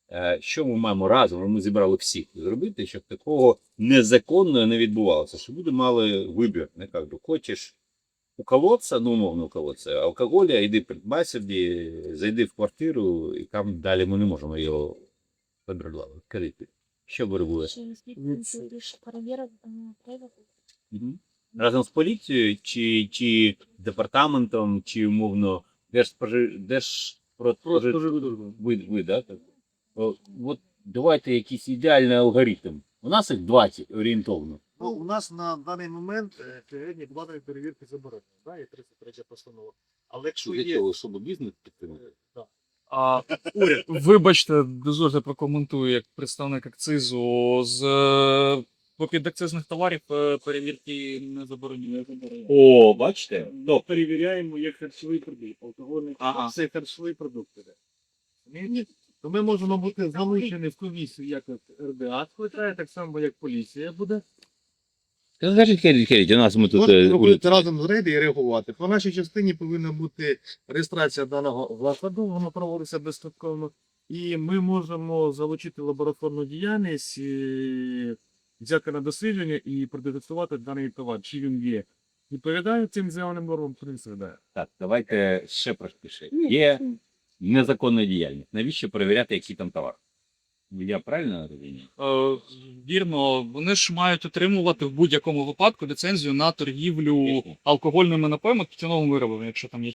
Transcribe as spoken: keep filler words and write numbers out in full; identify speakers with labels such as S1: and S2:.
S1: Е, Що ми маємо разом, ми зібрали всіх зробити, щоб такого незаконного не відбувалося, щоб люди мали вибір. Не кажу, хочеш уколоться, ну умовно уколоться, алкоголя, йди придбай собі, зайди в квартиру, і там далі ми не можемо його відкрити. Що виробує? Мгм. Разом з поліцією, чи, чи департаментом, чи умовно держспожи... Держпродспоживслужбою. Ви, ви, да? так? О, От давайте якийсь ідеальний алгоритм. У нас їх двадцять орієнтовно.
S2: Ну, у нас на даний момент е, сьогодні планові перевірки заборонені, да, є тридцять третя постанова. Але якщо
S1: Для
S2: є...
S1: того, щоб бізнес підтримати.
S2: Е, да.
S3: А, уряд, вибачте, дозвольте прокоментую як представник акцизу. З е, по підакцизних товарів е, перевірки не заборонені.
S1: О, бачите?
S2: Ну, перевіряємо як харчовий продукт, алкогольний,
S3: Ага.
S2: це харчовий продукт. іде. Ні, то ми можемо бути залучені в комісію, як от ер де а скликає, так само як поліція буде.
S1: Скажіть, Херіть, Херіть, у нас ми тут...
S2: Можна
S1: е,
S2: робити разом з рейди і реагувати. По нашій частині повинна бути реєстрація даного закладу, воно проводиться безстроково. І ми можемо залучити лабораторну діяльність, і взяти на дослідження і продетектувати даний товар, чи він є. Відповідає цим заявленим нормам, чи не відповідає.
S1: Так, давайте ще простіше. Є незаконна діяльність. Навіщо перевіряти, який там товар? Я правильно розумію?
S3: Е, вірно, вони ж мають отримувати в будь-якому випадку ліцензію на торгівлю алкогольними напоями, тютюновими виробами, якщо там є.